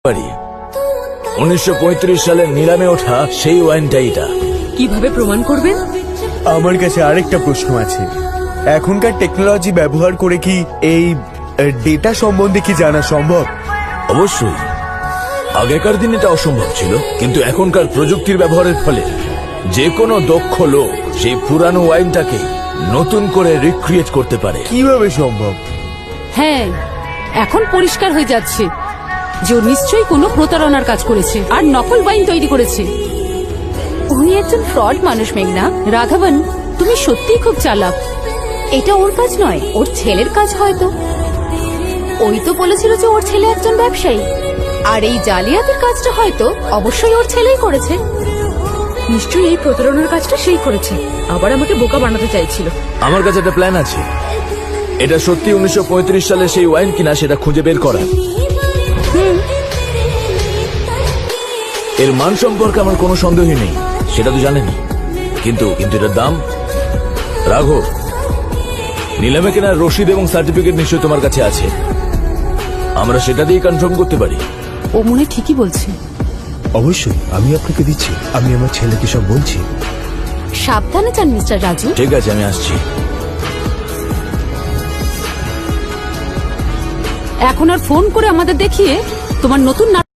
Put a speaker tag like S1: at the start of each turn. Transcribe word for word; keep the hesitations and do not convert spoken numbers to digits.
S1: পারি উনিশশো পঁয়ত্রিশ সালে নিলামে ওঠা সেই ওয়াইনটা এটা।
S2: কিভাবে প্রমাণ করবেন?
S3: আমার কাছে আরেকটা প্রশ্ন আছে, এখনকার টেকনোলজি ব্যবহার করে কি এই ডেটা সম্বন্ধে কি জানা সম্ভব?
S1: অবশ্যই, আগেকার দিন এটা অসম্ভব ছিল, কিন্তু এখনকার প্রযুক্তির ব্যবহারের ফলে যে কোনো দক্ষ লোক সেই পুরানো ওয়াইনটাকে নতুন করে রিক্রিয়েট করতে পারে।
S3: কিভাবে সম্ভব?
S2: হ্যাঁ, এখন পরিষ্কার হয়ে যাচ্ছে যে ও নিশ্চয়ই কোনো প্রতারণার কাজ করেছে আর নকল ওয়াইন তৈরি করেছে।
S4: উনি একজন ফ্রড মানুষ মেঘনা।
S2: রাঘবন, তুমি সত্যিই খুব চালাক।
S4: এটা ওর কাজ নয়, ওর ছেলের কাজ হয়তো। ওই তো বলেছিল যে ওর ছেলে একজন ব্যবসায়ী, আর এই জালিয়াতির কাজটা হয়তো অবশ্যই ওর ছেলেই করেছে।
S2: নিশ্চয়ই এই প্রতারণার কাজটা সেই করেছে, আবার আমাকে বোকা বানাতে চাইছিল।
S1: আমার কাছে একটা প্ল্যান আছে, এটা সত্যি উনিশশো পঁয়ত্রিশ সালে সেই ওয়াইন কিনা সেটা খুঁজে বের করা। এর মান সম্পর্কে আমার কোনো সন্দেহই নেই, সেটা তো জানেনি, কিন্তু কিন্তু এটার দাম। রাঘব, নিলামে কেনার রসিদ এবং সার্টিফিকেট নিশ্চয়ই তোমার কাছে আছে, আমরা সেটা দিয়ে কনফার্ম করতে পারি।
S2: ও মনে ঠিকই বলছে।
S3: অবশ্যই, আমি আপনাকে দিচ্ছি, আমি আমার ছেলেকে সব বলছি।
S4: সাবধানে যান মিস্টার রাজু।
S1: ঠিক আছে, আমি আসছি।
S2: এখন আর ফোন করে আমাদের দেখিয়ে তোমার নতুন